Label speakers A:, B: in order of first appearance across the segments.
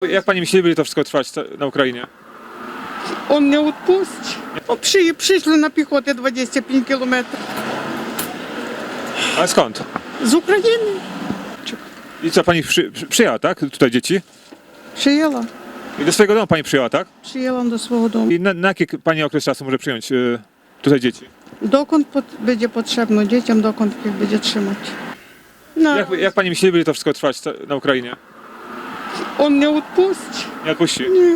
A: Jak pani myśli, będzie to wszystko trwać na Ukrainie?
B: Он не відпустить. Прийшли на піхоті 25 кілометрів.
A: Ale skąd?
B: З України.
A: I co, pani przyjęła, tak? Tutaj dzieci?
B: Przyjęła.
A: I do swojego domu pani przyjęła, tak?
B: Przyjęłam do swого дому.
A: I na jaki pani okres czasu może przyjąć tutaj dzieci?
B: Dokąd będzie potrzebno dzieciom, dokąd їх będzie trzymać. No,
A: Jak pani myśli, będzie to wszystko trwać na Ukrainie?
B: он не відпустить.
A: Nie odpuści?
B: Ні.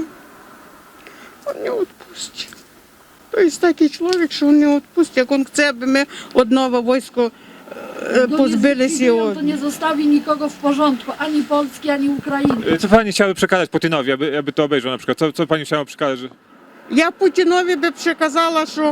B: Он не відпустить. То є такий чоловік, що він не відпустить. Як він хоче, аби ми одного війська позбилися його.
C: To nie zostawi nikogo w porządku, ani Polski, ani Ukrainy.
A: Co pani chciałaby przekazać Putinowi, aby to obejrzał na przykład? Co pani chciała przekazać?
B: Я Путінові би приказала, що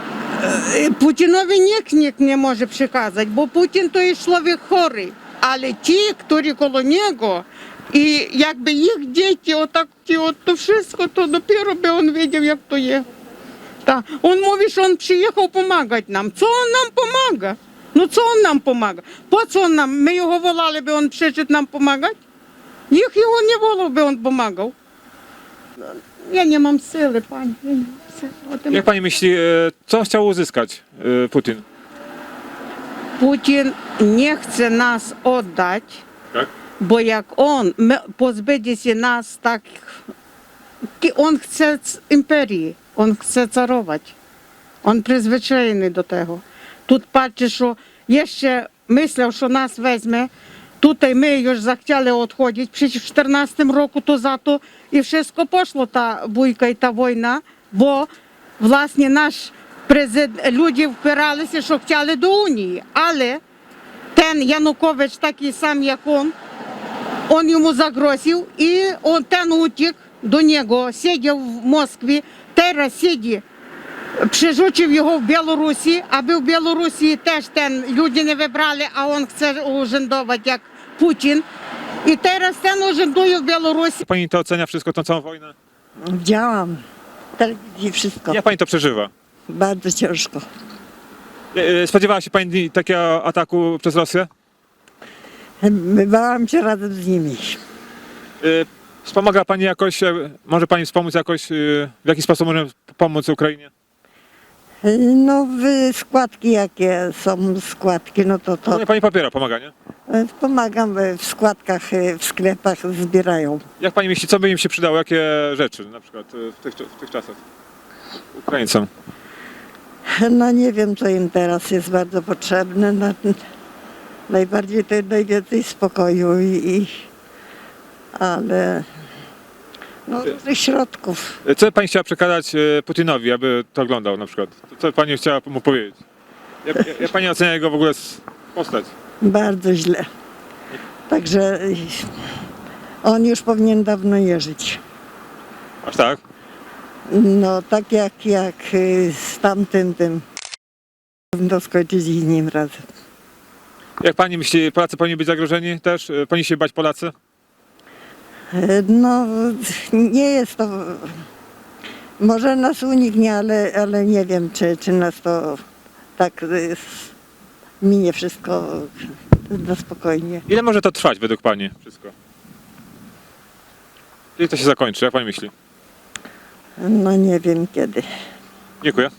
B: Путінові ніхто не може приказати, бо Путін то є чоловік хворий. Але ті, які коло нього, і якби їх діти, отак, то все, то допіро би він бачив, як то є. Так. Він мовить, що він приїхав допомагати нам. Це він нам допомагає. Ну це він нам допомагає. По це він нам? Ми його волали, би він прийшов нам допомагати. Їх його не волав, би він допомагав. Ja nie mam siły, pani. Ja nie mam siły. O tym
A: Jak pani myśli, co chciał uzyskać Putin?
B: Putin nie chce nas oddać,
A: Tak?
B: bo jak on pozbędzie się nas tak, on chce imperii, on chce carować. On przyzwyczajony do tego. Тут patrzy, że jeszcze myślał, że nas weźmie. Tutaj my już zachcieli odchodzić, przecież w 14 roku to za to i wszystko poszło ta bójka i ta wojna, bo właśnie nasz prezydent, ludzie wpierali że chcieli do Unii, ale ten Янукович такий сам jak on йому zagroził i ten uciekł do niego, siedział w Moskwie, teraz siedzi. Przerzucił його в Білорусі, аби в Білорусі теж люди не вибрали, а він хоче urzędować jak Putin. I teraz ten urzęduje w Białorusi.
A: Pani to ocenia wszystko, tą całą wojnę?
D: Widziałam telewizji wszystko.
A: Jak pani to przeżywa?
D: Bardzo ciężko.
A: Spodziewała się pani takiego ataku przez Rosję?
D: Bywałam się razem z nimi.
A: Wspomaga pani jakoś, może pani wspomóc jakoś, w jaki sposób możemy pomóc Ukrainie?
D: No składki jakie są składki, no to
A: Nie, pani popiera pomaganie.
D: pomagam w składkach, w sklepach zbierają.
A: Jak pani myśli, co by im się przydało, jakie rzeczy na przykład w tych czasach Ukraińcom?
D: No nie wiem co im teraz jest bardzo potrzebne. No, najbardziej to najwięcej spokoju ale no różnych środków.
A: Co pani chciała przekazać Putinowi, aby to oglądał na przykład? Co pani chciała mu powiedzieć? Jak pani ocenia jego w ogóle postać?
D: Bardzo źle. Także on już powinien dawno nie żyć.
A: Aż tak?
D: No tak jak z tamtym to skończyć z nim razem.
A: Jak pani myśli, Polacy powinni być zagrożeni też? Powinni się bać Polacy?
D: No nie jest to, może nas uniknie, ale nie wiem czy nas to tak minie wszystko na spokojnie.
A: Ile może to trwać według pani wszystko? Kiedy to się zakończy, jak pani myśli?
D: No nie wiem kiedy.
A: Dziękuję.